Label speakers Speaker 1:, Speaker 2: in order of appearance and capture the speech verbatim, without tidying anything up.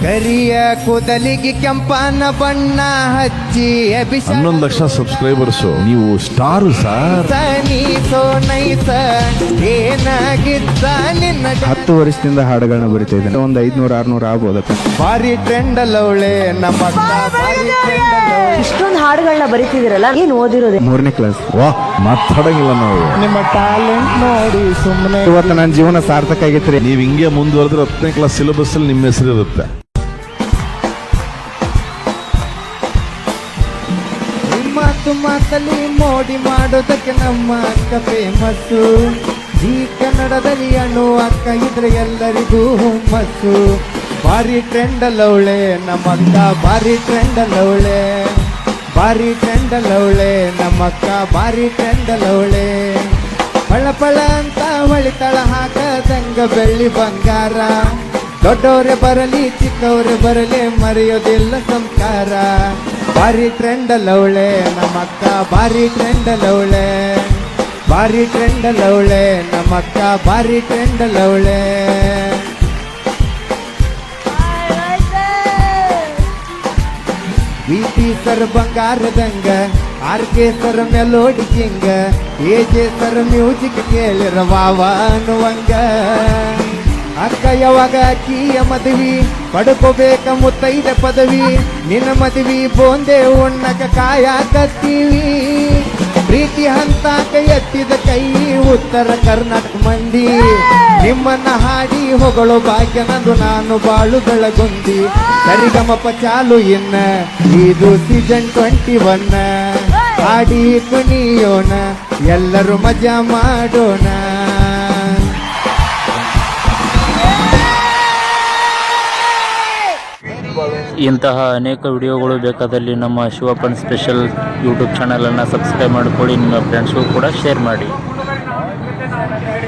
Speaker 1: ಕರಿಯ ಕೂದಲಿಗೆ ಕೆಂಪನ ಬಣ್ಣ ಹಚ್ಚಿ
Speaker 2: ಹನ್ನೊಂದು ಲಕ್ಷ ಸಬ್ಸ್ಕ್ರೈಬರ್ಸ್, ನೀವು ಸ್ಟಾರ್ ಸರ್.
Speaker 1: ಏನಾಗಿದ್ದ ನಿನ್ನ
Speaker 3: ಹತ್ತು ವರ್ಷದಿಂದ ಹಾಡುಗಳನ್ನ ಬರಿತಾ ಇದ್ದೇನೆ. ಒಂದು ಐದ್ನೂರ ಆರ್ನೂರ ಆಗ್ಬೋದಕ್ಕ.
Speaker 1: ಭಾರಿ ಟ್ರೆಂಡ್ ಅಲ್ಲವಳೆ ನಮ್ಮ
Speaker 4: ಇಷ್ಟೊಂದು ಹಾಡುಗಳನ್ನ ಬರಿತಿದಿರಲ್ಲ, ಏನ್ ಓದಿರೋದೆ?
Speaker 3: ಮೂರನೇ ಕ್ಲಾಸ್.
Speaker 2: ವಾ, ಮಾತಾಡಂಗಿಲ್ಲ ನಾವು.
Speaker 1: ನಿಮ್ಮ ಟ್ಯಾಲೆಂಟ್ ನೋಡಿ ಸುಮ್ಮನೆ
Speaker 3: ಇವತ್ತು ನನ್ನ ಜೀವನ ಸಾರ್ಥಕ ಆಗೈತ್ರಿ.
Speaker 2: ನೀವು ಹಿಂಗೆ ಮುಂದುವರೆದ್ರೆ ಹತ್ತನೇ ಕ್ಲಾಸ್ ಸಿಲೆಬಸ್ ಅಲ್ಲಿ ನಿಮ್ಮ ಹೆಸರು ಇರುತ್ತೆ.
Speaker 1: ಮಾತು ಮಾತಲ್ಲಿ ಮೋಡಿ ಮಾಡೋದಕ್ಕೆ ನಮ್ಮ ಅಕ್ಕ ಫೇಮಸ್ಸು. ಈ ಕನ್ನಡದಲ್ಲಿ ಅಣ್ಣು ಅಕ್ಕ ಇದ್ರೆ ಎಲ್ಲರಿಗೂ ಹುಮ್ಮಸ್ಸು. ಭಾರಿ ಟ್ರೆಂಡ್ ಅಲ್ಲವಳೆ ನಮ್ಮ ಅಕ್ಕ, ಭಾರಿ ಟ್ರೆಂಡ್ ಅಲ್ಲವಳೆ, ಭಾರಿ ಟ್ರೆಂಡ್ ಅಲ್ಲವಳೆ ನಮ್ಮ ಅಕ್ಕ, ಭಾರಿ ಟ್ರೆಂಡ್ ಅಲ್ಲವಳೆ. ಪಳ ಪಳ ಅಂತ ಹೊಳಿತಳ ಹಾಕದಂಗ ಬೆಳ್ಳಿ ಬಂಗಾರ. ದೊಡ್ಡವರೇ ಬರಲಿ ಚಿಕ್ಕವರೇ ಬರಲಿ ಮರೆಯೋದಿಲ್ಲ ಸಂಸ್ಕಾರ. ಭಾರಿ ಟ್ರೆಂಡ್ ಅಲ್ಲವಳೆ ನಮ್ಮ ಅಕ್ಕ, ಭಾರಿ ಟ್ರೆಂಡ್ ಅಲ್ಲವಳೆ, ಭಾರಿ ಟ್ರೆಂಡ್ ಅಲ್ಲವಳೆ ನಮ್ಮ ಅಕ್ಕ, ಭಾರಿ ಟ್ರೆಂಡ್ ಅಲ್ಲವಳೆ. ವಿ ಪಿ ಸರ್ ಬಂಗಾರದಂಗ, ಆರ್ ಕೆ ಸರ್ ಮೆಲೋಡಿ ಕಿಂಗ, ಎ ಜೆ ಸರ್ ಮ್ಯೂಸಿಕ್ ಕೇಳಿರ ವಾವ ಅನ್ನುವಂಗ. ಅಕ್ಕ ಯಾವಾಗ ಅಕ್ಕಿಯ ಮದುವೆ ಪಡ್ಕೋಬೇಕ ಮುತ್ತೈದ ಪದವಿ. ನಿನ್ನ ಮದುವೆ ಬೋಂದೆ ಉಣ್ಣಕ ಕಾಯಕತ್ತೀವಿ. ಪ್ರೀತಿ ಹಂತಾಕ ಎತ್ತಿದ ಕೈ ಉತ್ತರ ಕರ್ನಾಟಕ ಮಂದಿ. ನಿಮ್ಮನ್ನ ಹಾಡಿ ಹೊಗಳು ಭಾಗ್ಯ ನಂದು ನಾನು ಬಾಳು ಬೆಳಗೊಂದಿ. ಸರಿಗಮಪ ಚಾಲು ಇನ್ನ ಇದು ಸೀಸನ್ ಟ್ವೆಂಟಿ ಒನ್. ಹಾಡಿ ಕುಣಿಯೋಣ ಎಲ್ಲರೂ ಮಜಾ ಮಾಡೋಣ.
Speaker 5: ಇಂತಹ ಅನೇಕ ವಿಡಿಯೋಗಳು ಬೇಕಾದಲ್ಲಿ ನಮ್ಮ ಶಿವಪ್ಪನ್ ಸ್ಪೆಷಲ್ ಯೂಟ್ಯೂಬ್ ಚಾನಲನ್ನು ಸಬ್ಸ್ಕ್ರೈಬ್ ಮಾಡಿಕೊಳ್ಳಿ. ನಿಮ್ಮ ಫ್ರೆಂಡ್ಸ್ಗೂ ಕೂಡ ಶೇರ್ ಮಾಡಿ.